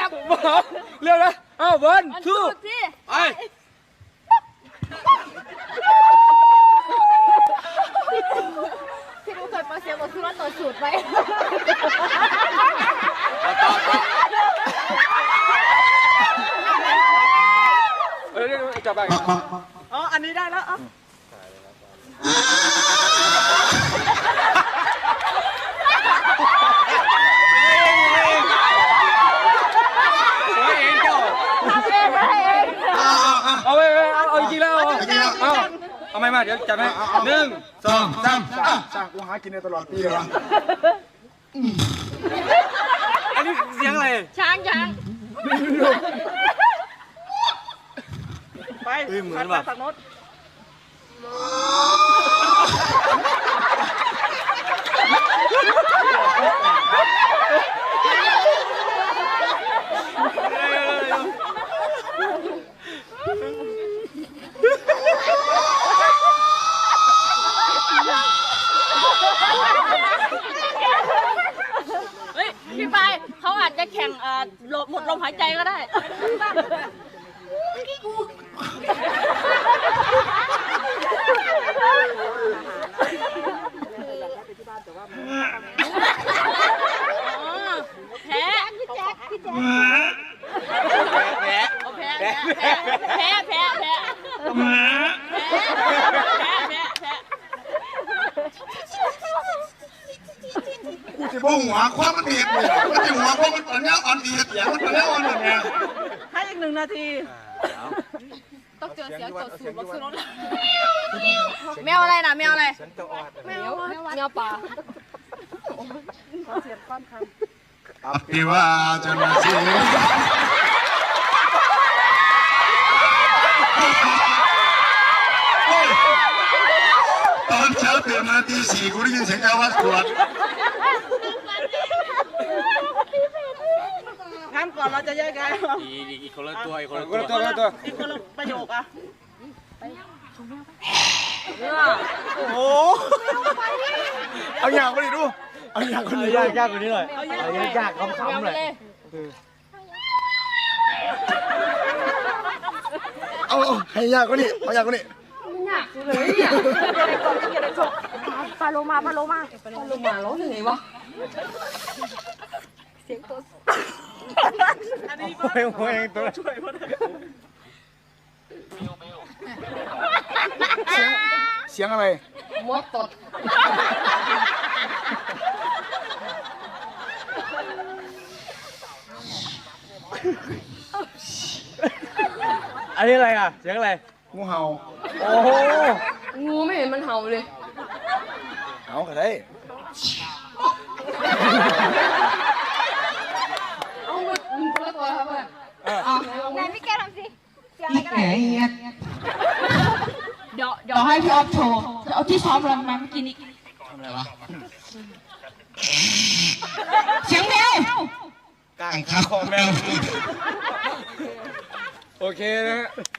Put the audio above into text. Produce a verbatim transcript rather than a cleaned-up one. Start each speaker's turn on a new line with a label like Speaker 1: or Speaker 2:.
Speaker 1: บเร็วนะอ้าววันทูไป
Speaker 2: พี่ดูเคยมาเสียบทที่ว่าต่อสูตรไหม
Speaker 1: ต่อต่อเออจับไปอ๋ออันนี้ได้แล้วอ๋อเอาไปเอาเอาจริงแล้วเอาเอาเอาไม่มาเดี๋ยวจับไหมหนึ่งสองสาม
Speaker 3: สร้างกูหากินในตลอดปีเลยวะ
Speaker 1: อันนี้เสียงอะไร
Speaker 2: ช้างช้าง
Speaker 1: ไปเหมือนแบบโน้ต
Speaker 2: พี่ไปเขาอาจจะแข่งหมดลมหายใจก็ได้แพ้พี่แจ๊คพี่แจ๊คแพ้แพ้แพ้แพ้แพ้แพ้แพ้แพ้แพ้แพ้แพ้
Speaker 3: กูจะบ่หัวความมันเด็ดเลยมันจะหัวความมันตอนนี้อ่อนดีเสียงมันตอนนี้อ่อนหมดไง
Speaker 2: ให้อีกหนึ่งนาทีต้องเจอเสียงต่อสูตรบอกซื้อรถแมวอะไรนะแมวอะไรแมวแมวป่าเสียงความคัน
Speaker 3: อภิวาจนะสิตอนเช้าตื่นมาตีสี่กูได้ยินเสียงแก้ววัดขวด
Speaker 2: งั้นก่อนเราจะแยกกัน
Speaker 1: อีกคนละตัวอีกคนละตัวคนละตัว
Speaker 2: อีกคนละประโยคอะ
Speaker 3: โอ้โหเอาอย่างคนนี้ดูเอาอย่างคนนี้
Speaker 1: ยากยากกว่านี้หน่อยเอายากยากคำคำเลย
Speaker 3: เอาให้ยากกว่านี้เอายากกว่านี้
Speaker 2: ยากเลยเนี่ยปลาโลมาปลาโลมาปลาโลมาร้องยังไงวะเสียงตัวอันนี้ก็
Speaker 1: โอ้ยตัวช่วยพ่อ
Speaker 3: เสียงเสียงอะไร
Speaker 2: มดตด
Speaker 1: อันนี้อะไรอ่ะเสียงอะไร
Speaker 3: งูเห่า
Speaker 1: โอ้โห
Speaker 2: งูไม่เห็นมันเห่าเลย
Speaker 3: เห่าก็ได้
Speaker 2: เอามือคนละตัวครับเพื่อนไหนพี่แกทำสิเสียงอะไรก็ได้เดี๋ยวเดี๋ยวให้พี่ออฟโชว์เอาที่ซ้อมเรามาเมื่อกี้นี้
Speaker 3: ทำอะไรวะ
Speaker 2: เสียงแมว
Speaker 3: ก้างขาคอแมว
Speaker 1: โอเคนะฮะ